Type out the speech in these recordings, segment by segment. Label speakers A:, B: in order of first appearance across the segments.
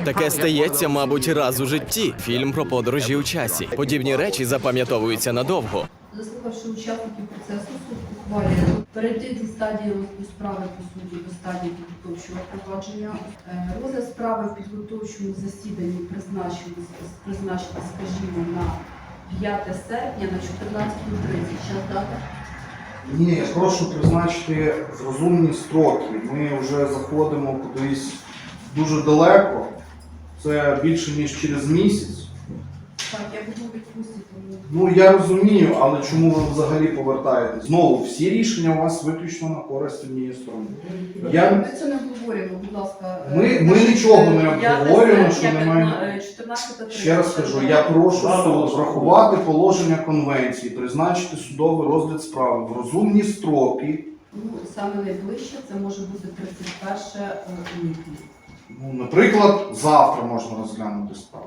A: Таке стається, мабуть, раз у житті. Фільм про подорожі у часі. Подібні речі запам'ятовуються надовго.
B: Заслухавши учасників процесу, суд ухвалює перейти зі стадії розгляду справи по суті до стадії підготовчого провадження. Розгляд справи в підготовчому засіданні призначити, скажімо, на 5 серпня на 14:30. Час дата?
C: Ні, я прошу призначити розумні строки. Ми вже заходимо кудись дуже далеко. Це більше, ніж через місяць.
B: Так, я буду у відпустці, тому...
C: Ну, я розумію, але чому ви взагалі повертаєтесь? Знову, всі рішення у вас виключно на користь однієї сторони.
B: Ми це не обговорюємо, будь ласка.
C: Ми нічого не обговорюємо, що немає...
B: 14:30.
C: Ще раз кажу, я прошу суд врахувати положення конвенції, призначити судовий розгляд справи в розумні строки.
B: Ну, саме найближче це може бути 31 липня.
C: Ну, наприклад, завтра можна розглянути справу.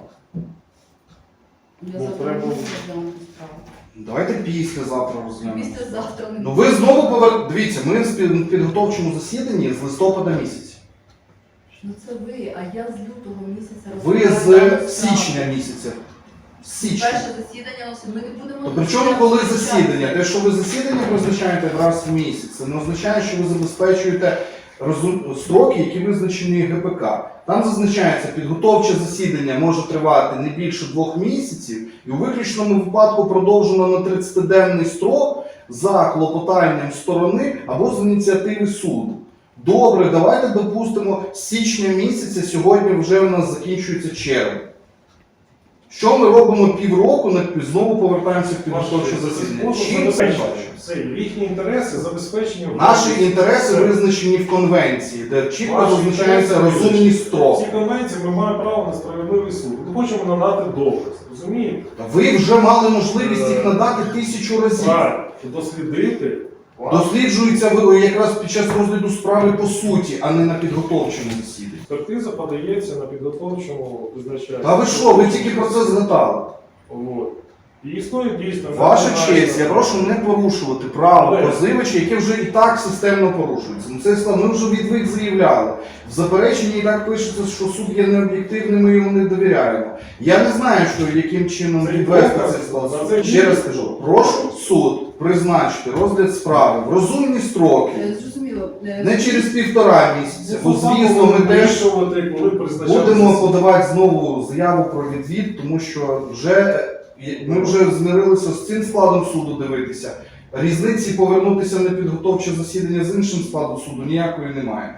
B: Я завтра не можу розглянути справу.
C: Давайте післязавтра розглянемо.
B: Післязавтра не
C: Ну ви знову Дивіться, ми в підготовчому засіданні з листопада місяця.
B: Ну це ви, а я з лютого місяця
C: Ви
B: розглядаю
C: з
B: справу.
C: січня місяця. З січня.
B: Перше засідання носить. Ми не будемо...
C: То при чому коли засідання? Те, що ви засідання призначаєте раз в місяць, це не означає, що ви забезпечуєте строки, які визначені ГПК. Там зазначається, підготовче засідання може тривати не більше 2 місяців, і у виключному випадку продовжено на 30-денний строк за клопотанням сторони або з ініціативи суду. Добре, давайте допустимо, з січня місяця, сьогодні вже у нас закінчується червень. Що ми робимо півроку, знову повертаємося в підготовче засідання? Чим це бачимо?
D: Це їхні інтереси забезпечені.
C: Наші інтереси визначені в конвенції, де чітко визначаються розумні
D: В
C: строки.
D: цій конвенції ми маємо право на справедливий суд. Ми хочемо надати доказ, розумієте?
C: Ви вже мали можливість їх надати 1000 разів.
D: Правильно, дослідити.
C: Досліджується якраз під час розгляду справи по суті, а не на підготовчому засіданні.
D: Експертиза подається на підготовчому визначенні.
C: Та ви що, ви тільки про це згадали?
D: От. І існує дійсно...
C: Ваша честь, я прошу не порушувати право позивача, яке вже і так системно порушується. Ну, це ми вже відвик заявляли. В запереченні і так пишеться, що суд є необ'єктивним, ми йому не довіряємо. Я не знаю, що яким чином відвести цей склад. Ще раз кажу, прошу суд призначити розгляд справи в розумні строки,
B: Зрозуміло.
C: не через 1,5 місяця. Бо, звісно, ми теж будемо подавати знову заяву про відвід, тому що ми вже змирилися з цим складом суду дивитися. Різниці повернутися на підготовче засідання з іншим складом суду ніякої немає.